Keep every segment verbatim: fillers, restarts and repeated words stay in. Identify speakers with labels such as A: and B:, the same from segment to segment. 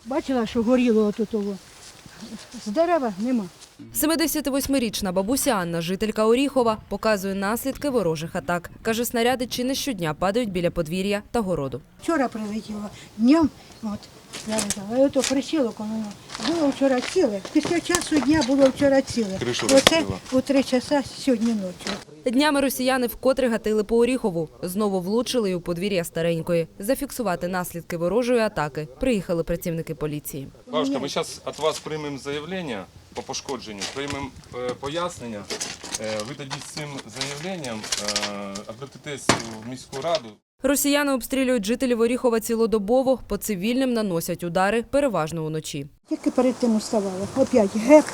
A: Бачила, що горіло отут. З дерева нема.
B: семидесятивосьмирічна бабуся Анна, жителька Оріхова, показує наслідки ворожих атак. Каже, снаряди чи не щодня падають біля подвір'я та городу.
A: Вчора прилетіло днем, от, зарізала. А ото причілок, воно було вчора ціле. Після часу дня було вчора ціле. Оце у три часа сьогодні ночі.
B: Днями росіяни вкотре гатили по Оріхову. Знову влучили й у подвір'я Старенької. Зафіксувати наслідки ворожої атаки приїхали працівники поліції.
C: Бабушка, ми зараз від вас приймемо заявлення по пошкодженню, приймемо е, пояснення. Е, ви тоді з цим заявленням е, обратитесь в міську раду.
B: Росіяни обстрілюють жителів Оріхова цілодобово, по цивільним наносять удари, переважно уночі.
A: Тільки перед тим уставала. Опять геп.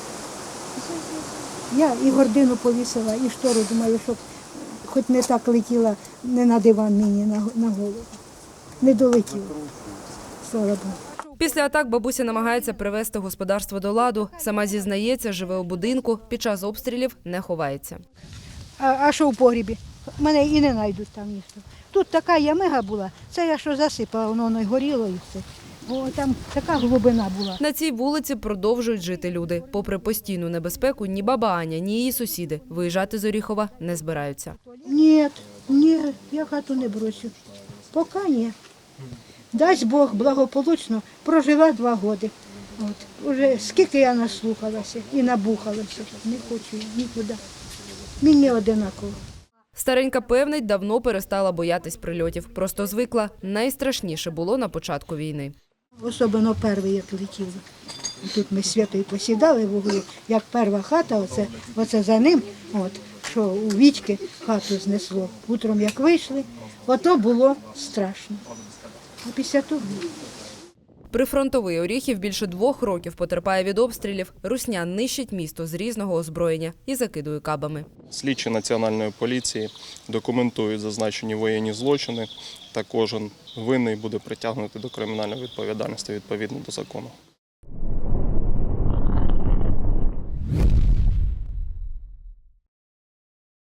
A: Я і гордину повісила, і штору, думаю, щоб хоч не так летіла, не на диван мені, на, на голову. Не долетіла. Слава Богу.
B: Після атак бабуся намагається привести господарство до ладу. Сама зізнається, живе у будинку, під час обстрілів не ховається.
A: А, а що в погрібі? Мене і не знайдуть там ніхто. Тут така ямига була, це я що засипала, воно не горіло і все. Бо там така глибина була.
B: На цій вулиці продовжують жити люди. Попри постійну небезпеку, ні баба Аня, ні її сусіди виїжджати з Оріхова не збираються.
A: Ні, ні, я хату не брошу. Поки ні. Дасть Бог благополучно, прожила два роки. От. Уже скільки я наслухалася і набухалася, не хочу нікуди. Мені одинаково.
B: Старенька певнить, давно перестала боятись прильотів. Просто звикла. Найстрашніше було на початку війни.
A: Особливо перший, як летіли. Тут ми з Святою посідали в углу, як перша хата, оце, оце за ним, от, що у Вітьки хату знесло. Утром як вийшли, ото було страшно. А після того...
B: Прифронтовий Оріхів більше двох років потерпає від обстрілів. Русня нищить місто з різного озброєння і закидує кабами.
C: Слідчі Національної поліції документують зазначені воєнні злочини, та кожен винний буде притягнутий до кримінальної відповідальності відповідно до закону.